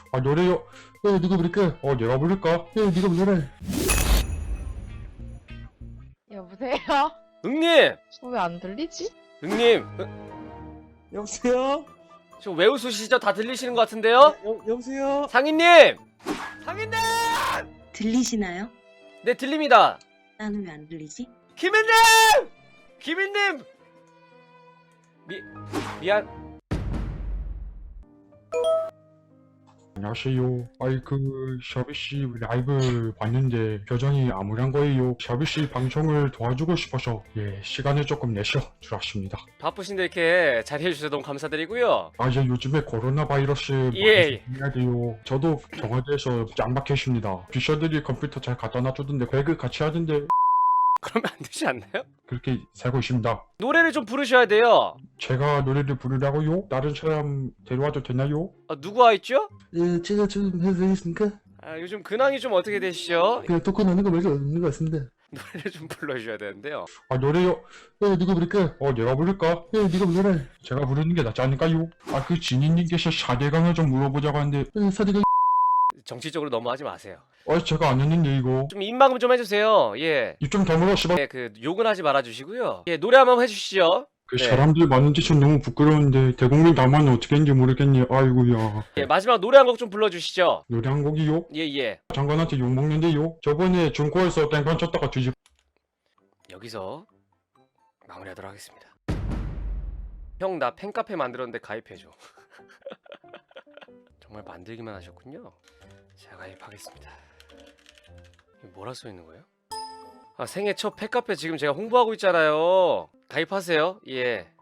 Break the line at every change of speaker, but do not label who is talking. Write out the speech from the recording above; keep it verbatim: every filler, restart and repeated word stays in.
아 노래요. 예, 누가 부를까? 어 내가 부를까? 예, 네가 불러라.
여보세요?
응님!
왜 안 들리지?
응님! 응,
여보세요?
저 왜 웃으시죠? 다 들리시는 것 같은데요?
여, 여보세요?
상인님! 상인님!
들리시나요?
네, 들립니다.
나는 왜 안 들리지?
김인님! 김인님! 미, 미안.
안녕하세요. 아이 그 샤비씨 라이브 봤는데 표정이 암울한 거예요. 샤비씨 방송을 도와주고 싶어서 예 시간을 조금 내셔 주었습니다.
바쁘신데 이렇게 자리해주셔서 너무 감사드리고요.
아 이제 요즘에 코로나 바이러스
예.
많이 해야 돼요. 저도 청와대에서 짱 박혀있습니다. 비서들이 컴퓨터 잘 갖다 놔주던데 배그 같이 하던데
그러면 안 되지 않나요?
그렇게 살고 있습니다.
노래를 좀 부르셔야 돼요.
제가 노래를 부르라고요? 다른 사람 데려와도 되나요?
아, 누구 와 있죠?
예, 제가 좀 해도 되겠습니까?
아, 요즘 근황이 좀 어떻게 되시죠?
그냥 토큰 하는 거 말고 없는 것 같습니다.
노래를 좀 불러주셔야 되는데요.
아 노래요?
예, 누가 부를까?
어 내가 부를까?
예, 네가 불러라.
제가 부르는 게 낫지 않을까요? 아 그 진희님께서 사대강을 좀 물어보자고 하는데
예, 사대가
정치적으로 너무 하지 마세요.
어 제가 안 했는데 이거
좀 입막음 좀 해주세요. 예.
이좀 다물어 씨발.
예, 그 욕은 하지 말아주시고요. 예, 노래 한번 해주시죠.
그
네.
사람들 많은 짓은 너무 부끄러운데 대국민 담화는 어떻게 했는지 모르겠니. 아이고야.
예, 마지막 노래 한 곡 좀 불러주시죠.
노래 한 곡이요?
예, 예.
장관한테 욕먹는데요? 저번에 중고에서 땡판 쳤다가 뒤집
여기서 마무리하도록 하겠습니다. 형, 나 팬카페 만들었는데 가입해줘. 정말 만들기만 하셨군요. 제가 가입하겠습니다. 이거 뭐라 써있는 거예요? 아, 생애 첫 팬카페 지금 제가 홍보하고 있잖아요. 가입하세요. 예.